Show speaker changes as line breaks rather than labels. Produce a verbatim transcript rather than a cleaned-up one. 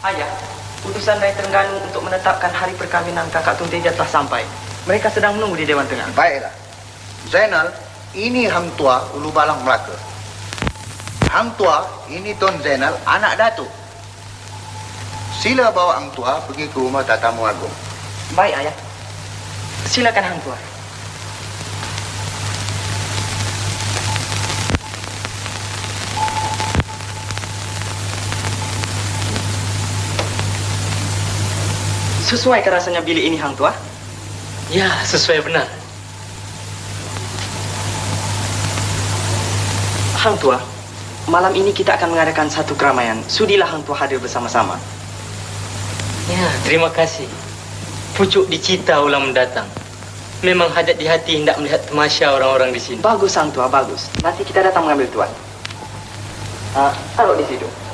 Ayah, utusan dari Terengganu untuk menetapkan hari perkahwinan kakak Tun Teja telah sampai. Mereka sedang menunggu di Dewan Tengah.
Baiklah. Zainal, ini Hang Tua Ulu Balang Melaka. Hang Tua, ini Tun Zainal, anak Datuk. Sila bawa Hang Tua pergi ke rumah Tatamu Agung.
Baik, Ayah. Silakan Hang Tua. Sesuai ke rasanya bilik ini, Hang Tua?
Ya, sesuai benar.
Hang Tua, malam ini kita akan mengadakan satu keramaian. Sudilah Hang Tua hadir bersama-sama.
Ya, terima kasih. Pucuk dicita ulang mendatang. Memang hajat di hati hendak melihat tamasya orang-orang di sini.
Bagus, Hang Tua, bagus. Nanti kita datang mengambil tuan. Ah, taruh di situ.